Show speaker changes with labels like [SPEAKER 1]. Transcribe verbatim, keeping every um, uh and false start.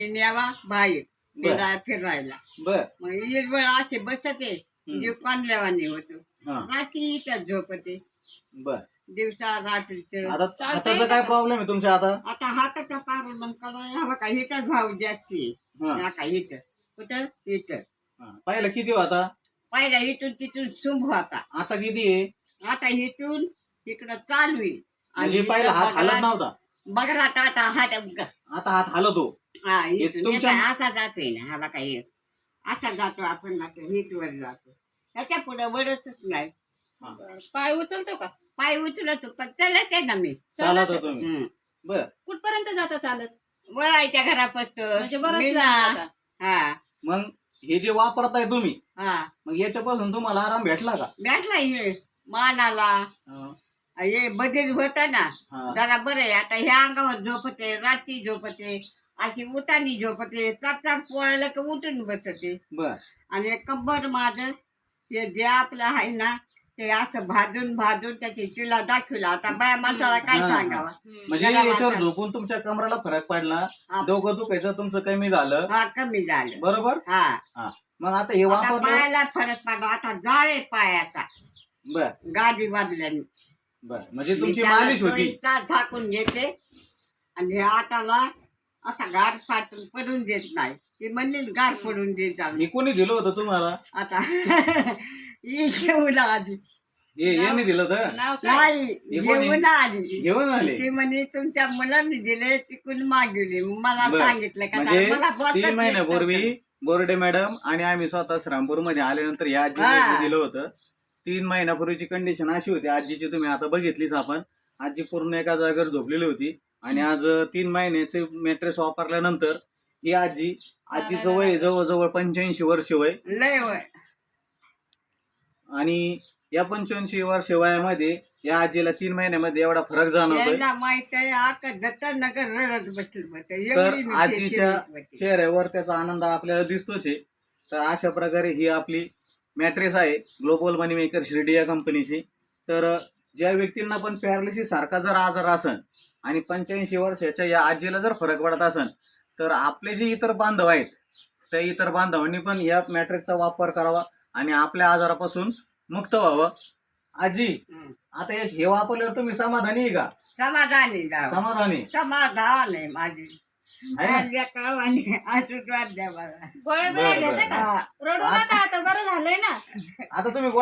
[SPEAKER 1] न्यावा बाहेर
[SPEAKER 2] बर
[SPEAKER 1] फिरा फिरायला.
[SPEAKER 2] बर
[SPEAKER 1] मग हिरवळ असे बसते म्हणजे कोंडल्यावानी होतो.
[SPEAKER 2] हा
[SPEAKER 1] रात्री इथं झोपते,
[SPEAKER 2] बर
[SPEAKER 1] दिवसा रात्रीच.
[SPEAKER 2] आता
[SPEAKER 3] चालतंय
[SPEAKER 2] हाताचा
[SPEAKER 3] का
[SPEAKER 2] काय
[SPEAKER 3] का?
[SPEAKER 2] प्रॉब्लेम आहे तुमच्या आता?
[SPEAKER 1] आता हाताचा पार मग करा ह्याला का हिथंच भाव जास्ती
[SPEAKER 2] हा
[SPEAKER 1] ह्या का हिथं कुठं इथं.
[SPEAKER 2] हा. पहिला किती होता?
[SPEAKER 1] पहिला इथून तिथून सुंभ होता.
[SPEAKER 2] आता किती आहे?
[SPEAKER 1] आता इथून इकडं चालू आहे.
[SPEAKER 2] म्हणजे पहिला हात हालत नव्हता,
[SPEAKER 1] बघला आता हात
[SPEAKER 2] आता हात हालतो.
[SPEAKER 1] हा
[SPEAKER 2] हे
[SPEAKER 1] इथून
[SPEAKER 2] तुमच्या-
[SPEAKER 1] येता असा जातोय ना ह्याला काही असा जातो आपण आता हिट वर जातो. त्याच्या पुढे वडतच नाही.
[SPEAKER 2] हा.
[SPEAKER 3] पाय उचलतो का?
[SPEAKER 1] पाय उचलतो पण चलत आहे ना मी.
[SPEAKER 2] चालत आहे तुम्ही?
[SPEAKER 1] हम्म.
[SPEAKER 2] बर
[SPEAKER 3] कुठपर्यंत जाता चालत?
[SPEAKER 1] वळायच्या घरापासून
[SPEAKER 3] म्हणजे बरंच
[SPEAKER 1] मी
[SPEAKER 3] लांब
[SPEAKER 1] ना-
[SPEAKER 3] जाता.
[SPEAKER 1] हा
[SPEAKER 2] मग हे जे वापरताय तुम्ही,
[SPEAKER 1] हा
[SPEAKER 2] मग याच्यापासून तुम्हाला आराम भेटला का?
[SPEAKER 1] भेटला हे मानाला
[SPEAKER 2] हा.
[SPEAKER 1] हे बधीर होत ना
[SPEAKER 2] हा.
[SPEAKER 1] जरा बरं आहे. आता ह्या अंगावर झोपते, रात्री झोपते, अशी उतानी झोपते, चार चार पोळायला का उठून बसते.
[SPEAKER 2] बर
[SPEAKER 1] आणि कंबर माझं हे जे आपलं आहे ना ते असं भाजून भाजून त्याची तिला दाखवलं. आता बाया माणसाला काय
[SPEAKER 2] हा, हा.
[SPEAKER 1] सांगावं.
[SPEAKER 3] हम्म.
[SPEAKER 2] म्हणजे
[SPEAKER 1] जरा
[SPEAKER 2] याच्यावर
[SPEAKER 1] वाचा.
[SPEAKER 2] झोपून तुमच्या कमराला फरक पडला,
[SPEAKER 1] हा.
[SPEAKER 2] डोकं दुखायचं तुमचं कमी झालं,
[SPEAKER 1] हा कमी झालं.
[SPEAKER 2] बरोबर?
[SPEAKER 1] हा
[SPEAKER 2] हा. मग आता हे
[SPEAKER 1] आता
[SPEAKER 2] वापरलं.
[SPEAKER 1] पायाला फरक पडला. आता जाळे पायाचा
[SPEAKER 2] बर
[SPEAKER 1] गादी बांधल्याने.
[SPEAKER 2] बर म्हणजे
[SPEAKER 1] मी
[SPEAKER 2] तुमची
[SPEAKER 1] त्याला
[SPEAKER 2] मालिश होती.
[SPEAKER 1] दोन तास झाकून घेते आणि हे हाताला असा गार फाटून पडून देत नाही. ती म्हणली गार पडून देत
[SPEAKER 2] हे
[SPEAKER 1] आम्ही.
[SPEAKER 2] कोणी दिलं होतं तुम्हाला?
[SPEAKER 1] आता ही घेऊन आली
[SPEAKER 2] हे यांनी दिलं होतं?
[SPEAKER 3] नाव काय?
[SPEAKER 1] नाही
[SPEAKER 2] हे कोणी?
[SPEAKER 1] घेऊन आली.
[SPEAKER 2] घेऊन आले?
[SPEAKER 1] ती म्हणे तुमच्या मुलांनी दिले तिकडून मागवले. मला
[SPEAKER 2] बरं.
[SPEAKER 1] सांगितलं का
[SPEAKER 2] म्हणजे
[SPEAKER 1] मला बोलताच
[SPEAKER 2] तीन
[SPEAKER 1] येत
[SPEAKER 2] महिन्यापूर्वी
[SPEAKER 1] नव्हतं.
[SPEAKER 2] बोर्डे मॅडम आणि आम्ही स्वतः श्रामपूर मध्ये आल्यानंतर या आजीला
[SPEAKER 1] हा.
[SPEAKER 2] जे दिलं होतं, तीन महिन्यापूर्वीची कंडिशन अशी होती आजीची, तुम्ही आता बघितलीच आपण. आजी पूर्ण एका जागेवर झोपलेली होती आणि आज तीन महिन्याचे मॅट्रेस वापरल्यानंतर ही आजी, आजीचं वय जवळजवळ पंच्याऐंशी वर्ष वय.
[SPEAKER 1] लय वय.
[SPEAKER 2] आणि या पंच्याऐंशी वर्ष वयामध्ये या आजीला तीन महिन्यामध्ये एवढा फरक जाणवतोय.
[SPEAKER 1] यांना माहित आहे आता दत्ता नगर रडत बसली होते.
[SPEAKER 2] तर
[SPEAKER 1] एवढी मी
[SPEAKER 2] आजीच्या
[SPEAKER 1] serious होती.
[SPEAKER 2] चेहऱ्यावर त्याचा आनंद आपल्याला दिसतोच आहे. तर अशा प्रकारे ही आपली मॅट्रेस आहे ग्लोबल मनी मेकर शिर्डी या कंपनीची. तर ज्या व्यक्तींना पण पॅरालिसिस सारखा जर आजार असन आणि पंच्याऐंशी वर्षाच्या या आजीला जर फरक पडत असन, तर आपले जे इतर बांधव आहेत त्या इतर बांधवांनी पण या मॅट्रेसचा वापर करावा आणि आपल्या आजारापासून मुक्त व्हावं. आजी,
[SPEAKER 1] हं.
[SPEAKER 2] आता हे हे वापरल्यावर तुम्ही समाधानी आहे का?
[SPEAKER 1] समाधानी जावं.
[SPEAKER 2] समाधानी
[SPEAKER 1] समाधान आहे माझी.
[SPEAKER 2] आहे ना?
[SPEAKER 1] माझ्या कळवाने आशीर्वाद द्या मला.
[SPEAKER 3] गोळ्या
[SPEAKER 2] बरं,
[SPEAKER 3] बिळ्या
[SPEAKER 2] बरं,
[SPEAKER 3] घेते का?
[SPEAKER 1] हा.
[SPEAKER 3] रडू नका आता, बरं झालंय ना.
[SPEAKER 2] आता तुम्ही